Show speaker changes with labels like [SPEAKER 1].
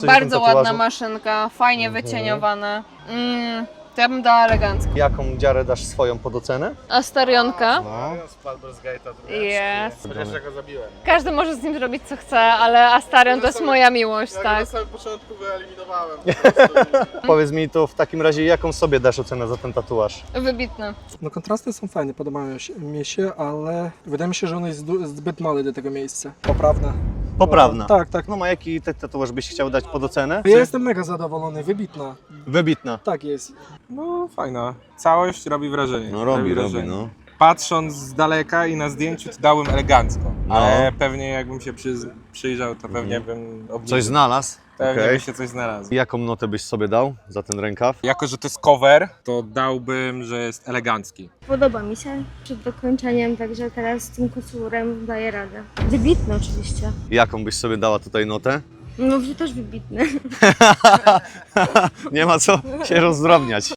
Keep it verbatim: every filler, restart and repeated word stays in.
[SPEAKER 1] Bardzo ładna maszynka, fajnie mhm. wycieniowane. Mm, to ja bym dała elegancko.
[SPEAKER 2] Jaką dziarę dasz swoją pod ocenę?
[SPEAKER 1] Astarionka.
[SPEAKER 2] No.
[SPEAKER 1] Jest.
[SPEAKER 3] Chociaż ja go zabiłem.
[SPEAKER 1] Każdy może z nim zrobić co chce, ale Astarion to jest moja miłość,
[SPEAKER 3] Ja
[SPEAKER 1] tak.
[SPEAKER 3] na samym początku wyeliminowałem. Po prostu.
[SPEAKER 2] Powiedz mi to w takim razie, jaką sobie dasz ocenę za ten tatuaż?
[SPEAKER 1] Wybitny.
[SPEAKER 4] No kontrasty są fajne, podobają się, mi się, ale wydaje mi się, że on jest du- zbyt mały do tego miejsca. Poprawne.
[SPEAKER 2] Poprawna.
[SPEAKER 4] Tak, tak.
[SPEAKER 2] No, a jaki ty tatuaż byś chciał dać pod ocenę?
[SPEAKER 4] Ja jestem mega zadowolony, wybitna.
[SPEAKER 2] Wybitna.
[SPEAKER 4] Tak jest.
[SPEAKER 3] No fajna. Całość robi wrażenie.
[SPEAKER 2] No robi, robi,
[SPEAKER 3] wrażenie.
[SPEAKER 2] no.
[SPEAKER 3] Patrząc z daleka i na zdjęciu to dałem elegancko,
[SPEAKER 2] No.
[SPEAKER 3] ale pewnie jakbym się przy, przyjrzał, to pewnie
[SPEAKER 2] Mhm.
[SPEAKER 3] bym obniżył.
[SPEAKER 2] Coś znalazł?
[SPEAKER 3] Pewnie
[SPEAKER 2] Okej.
[SPEAKER 3] by się coś znalazło.
[SPEAKER 2] Jaką notę byś sobie dał za ten rękaw?
[SPEAKER 3] Jako, że to jest cover, to dałbym, że jest elegancki.
[SPEAKER 5] Podoba mi się przed dokończeniem, także teraz z tym kocurem daję radę. Wybitny oczywiście.
[SPEAKER 2] Jaką byś sobie dała tutaj notę?
[SPEAKER 5] No, że też wybitny.
[SPEAKER 2] Nie ma co się rozdrobniać.